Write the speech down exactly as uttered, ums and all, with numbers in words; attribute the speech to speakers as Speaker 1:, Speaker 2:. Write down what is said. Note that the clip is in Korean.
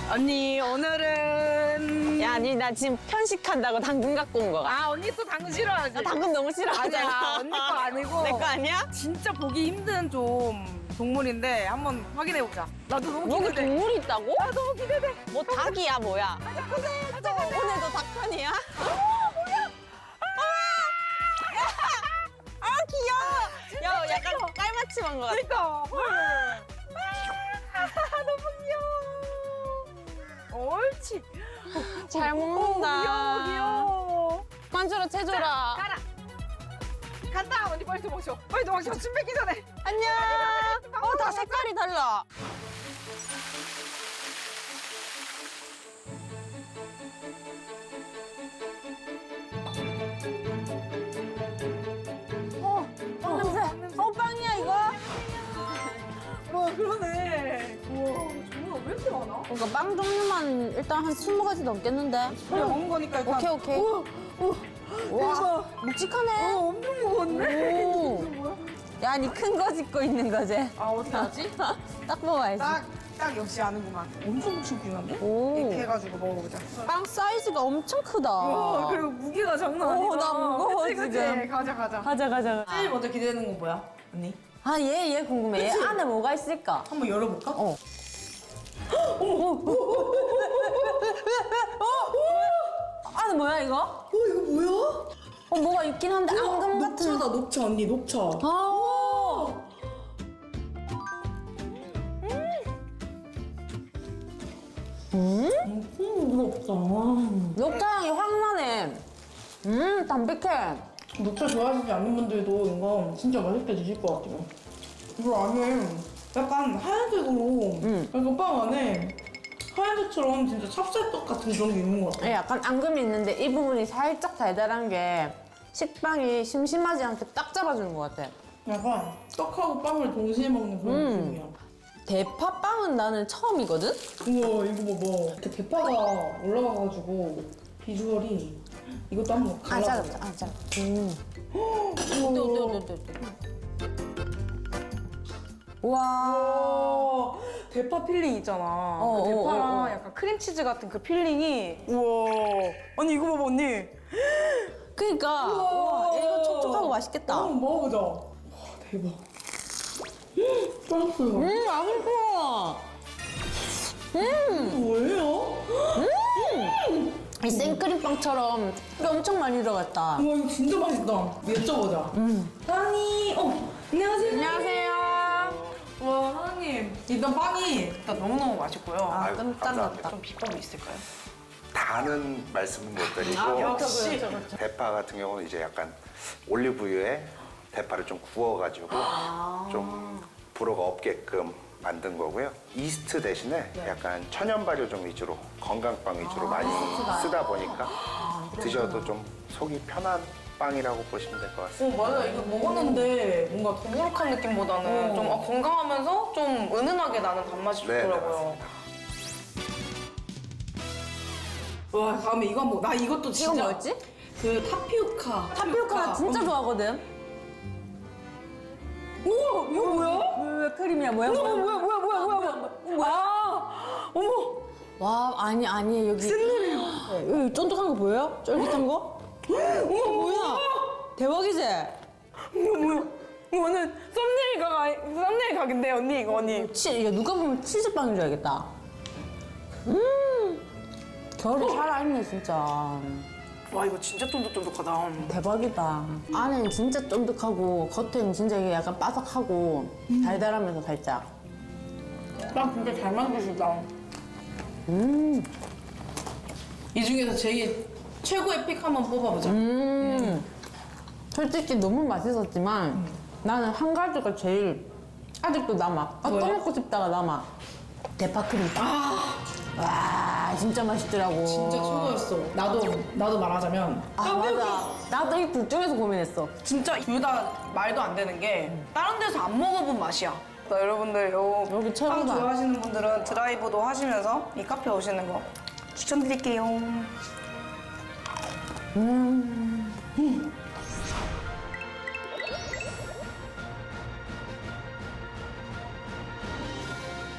Speaker 1: 언니 오늘은
Speaker 2: 야, 니 나 지금 편식한다고 당근 갖고 온 거가.
Speaker 1: 아 언니 또 당근 싫어하지?
Speaker 2: 나 당근 너무 싫어하잖아.
Speaker 1: 아니야 언니 거 아니고
Speaker 2: 내 거 아니야?
Speaker 1: 진짜 보기 힘든 좀 동물인데 한번 확인해 보자. 나도 너무
Speaker 2: 여기
Speaker 1: 기대돼.
Speaker 2: 동물이 있다고?
Speaker 1: 나 너무 기대돼.
Speaker 2: 뭐 닭이야 뭐야?
Speaker 1: 가자 가자 가자 가자.
Speaker 2: 오늘도 닭편이야? 아 귀여워. 야 약간 깔맞춤한 거 같아.
Speaker 1: 그러니까. 아, 너무 귀여워. 옳지.
Speaker 2: 잘
Speaker 1: 오,
Speaker 2: 먹는다.
Speaker 1: 귀여워 귀여워.
Speaker 2: 만주라 채줘라.
Speaker 1: 가라. 간다 언니 빨리 도망쳐. 빨리 도망쳐. 침 뱉기 전에.
Speaker 2: 안녕. 어 다 색깔이 달라. 어, 빵 냄새. 어 빵이야 이거?
Speaker 1: 와 그러네. 우와 종류가 왜 이렇게 많아?
Speaker 2: 그러니까 빵 종류만 일단 한 스무 가지 넘겠는데?
Speaker 1: 우리 먹은 거니까 일단.
Speaker 2: 오케이 오케이.
Speaker 1: 우와, 우와.
Speaker 2: 와 묵직하네.
Speaker 1: 어, 엄청 무거웠네.
Speaker 2: 오.
Speaker 1: 이게 뭐야?
Speaker 2: 야, 니 큰 거 짚고 있는 거지?
Speaker 1: 아 어떻게 하지?
Speaker 2: 딱 먹어야지.
Speaker 1: 딱, 딱 역시 아는구만. 엄청 묵직한데?
Speaker 2: 오.
Speaker 1: 이렇게 해가지고 먹어보자.
Speaker 2: 빵 사이즈가 엄청 크다.
Speaker 1: 와 그리고 무게가 장난
Speaker 2: 오,
Speaker 1: 아니다.
Speaker 2: 나 무거워,
Speaker 1: 그치, 그치?
Speaker 2: 지금.
Speaker 1: 가자 가자.
Speaker 2: 가자, 가자.
Speaker 1: 제일 먼저 기대되는 건 뭐야? 언니?
Speaker 2: 아, 얘, 얘 궁금해. 얘
Speaker 1: 그치?
Speaker 2: 안에 뭐가 있을까?
Speaker 1: 한번 열어볼까?
Speaker 2: 어. 안에 뭐야, 이거?
Speaker 1: 어 이거 뭐야?
Speaker 2: 어, 뭐가 있긴 한데, 앙금 같은.
Speaker 1: 녹차다 녹차 언니 녹차.
Speaker 2: 아, 음?
Speaker 1: 엄청 무겁다.
Speaker 2: 녹차 향이 확 나네. 음, 담백해.
Speaker 1: 녹차 좋아하시지 않는 분들도 이거 진짜 맛있게 드실 것 같아요. 이거 안에 약간 하얀색으로
Speaker 2: 음.
Speaker 1: 약간 빵 안에 하얀색처럼 진짜 찹쌀떡 같은 그런 게 있는 것 같아.
Speaker 2: 예, 약간 앙금이 있는데 이 부분이 살짝 달달한 게 식빵이 심심하지 않게 딱 잡아주는 것 같아.
Speaker 1: 약간 떡하고 빵을 동시에 먹는 그런
Speaker 2: 음.
Speaker 1: 느낌이야.
Speaker 2: 대파빵은 나는 처음이거든?
Speaker 1: 우와 이거 봐봐. 이렇게 대파가 올라가가지고 비주얼이 이것도 한번
Speaker 2: 아,
Speaker 1: 갈라보자.
Speaker 2: 잘라, 아, 잘라. 음.
Speaker 1: 우와.
Speaker 2: 또, 또, 또, 또, 또. 와.
Speaker 1: 와, 대파 필링 있잖아.
Speaker 2: 어,
Speaker 1: 그 대파랑
Speaker 2: 어, 어, 어.
Speaker 1: 약간 크림치즈 같은 그 필링이. 우와. 언니 이거 봐봐 언니.
Speaker 2: 그니까. 와, 이거 촉촉하고 맛있겠다.
Speaker 1: 한번 먹어보자. 와 대박. 쫄았어요.
Speaker 2: 음, 맛있어. 음,
Speaker 1: 뭐예요?
Speaker 2: 이 생크림빵처럼 이게 엄청 많이 들어갔다.
Speaker 1: 와 이거 진짜 맛있다. 여쭤보자.
Speaker 2: 음.
Speaker 1: 사장님. 어 안녕하세요.
Speaker 2: 안녕하세요.
Speaker 1: 와 사장님. 일단 빵이 일단 너무너무 맛있고요.
Speaker 2: 아,
Speaker 3: 아유,
Speaker 2: 깜짝
Speaker 3: 감사합니다.
Speaker 2: 놀랐다.
Speaker 1: 좀 비법이 있을까요?
Speaker 3: 다는 말씀은 못 드리고
Speaker 1: 아, 역시.
Speaker 2: 그렇죠, 그렇죠.
Speaker 3: 대파 같은 경우는 이제 약간 올리브유에 대파를 좀 구워가지고
Speaker 2: 아.
Speaker 3: 좀 불호가 없게끔 만든 거고요. 이스트 대신에
Speaker 2: 네.
Speaker 3: 약간 천연 발효종 위주로 건강빵 위주로
Speaker 2: 아,
Speaker 3: 많이 쓰다 보니까 드셔도 좀 속이 편한 빵이라고 보시면 될 것 같습니다.
Speaker 4: 어, 맞아. 이거 먹었는데 뭔가 더부룩한 느낌보다는
Speaker 2: 어.
Speaker 4: 좀 아, 건강하면서 좀 은은하게 나는 단맛이
Speaker 3: 네, 네,
Speaker 4: 좋더라고요.
Speaker 3: 맞습니다.
Speaker 1: 와 다음에 이거 한번 나 이것도 진짜.
Speaker 2: 이건 뭐였지?
Speaker 1: 그 타피오카.
Speaker 2: 타피오카 진짜
Speaker 1: 어.
Speaker 2: 좋아하거든.
Speaker 1: 우와 이거 뭐야?
Speaker 2: 왜, 왜 크림이야? 뭐야?
Speaker 1: 어머
Speaker 2: 뭐야?
Speaker 1: 뭐야 뭐야 뭐야 뭐야 뭐야. 아 어머.
Speaker 2: 와, 아니, 아니, 여기.
Speaker 1: 샌들이에요.
Speaker 2: 여기 쫀득한 거 보여요? 쫄깃한 거?
Speaker 1: 어머
Speaker 2: 뭐야? 대박이지?
Speaker 1: 이거 뭐야? 이거는 썸네일 각 아니 썸네일 각인데 언니 이거 언니.
Speaker 2: 치, 이거 누가 보면 치즈빵인 줄 알겠다. 음, 결이 살아있네, 진짜.
Speaker 1: 와 이거 진짜 쫀득쫀득하다.
Speaker 2: 대박이다. 안에는 진짜 쫀득하고, 겉에는 진짜 이게 약간 바삭하고, 달달하면서 살짝.
Speaker 1: 빵 진짜 잘 만드시다.
Speaker 2: 음,
Speaker 1: 이 중에서 제일 최고의 픽 한번 뽑아보자.
Speaker 2: 음. 솔직히 너무 맛있었지만, 나는 한 가지가 제일 아직도 남아. 아, 또
Speaker 1: 뭐야?
Speaker 2: 먹고 싶다가 남아. 대파 크림빵. 와, 진짜 맛있더라고.
Speaker 1: 진짜 최고였어. 나도 나도 말하자면
Speaker 2: 아, 맞아. 나도 이 둘 중에서 고민했어.
Speaker 4: 진짜 둘 다 말도 안 되는 게 다른 데서 안 먹어본 맛이야. 그러니까 여러분들 요
Speaker 2: 여기
Speaker 4: 빵
Speaker 2: 최고다.
Speaker 4: 좋아하시는 분들은 드라이브도 하시면서 이 카페 오시는 거 추천드릴게요.
Speaker 2: 음.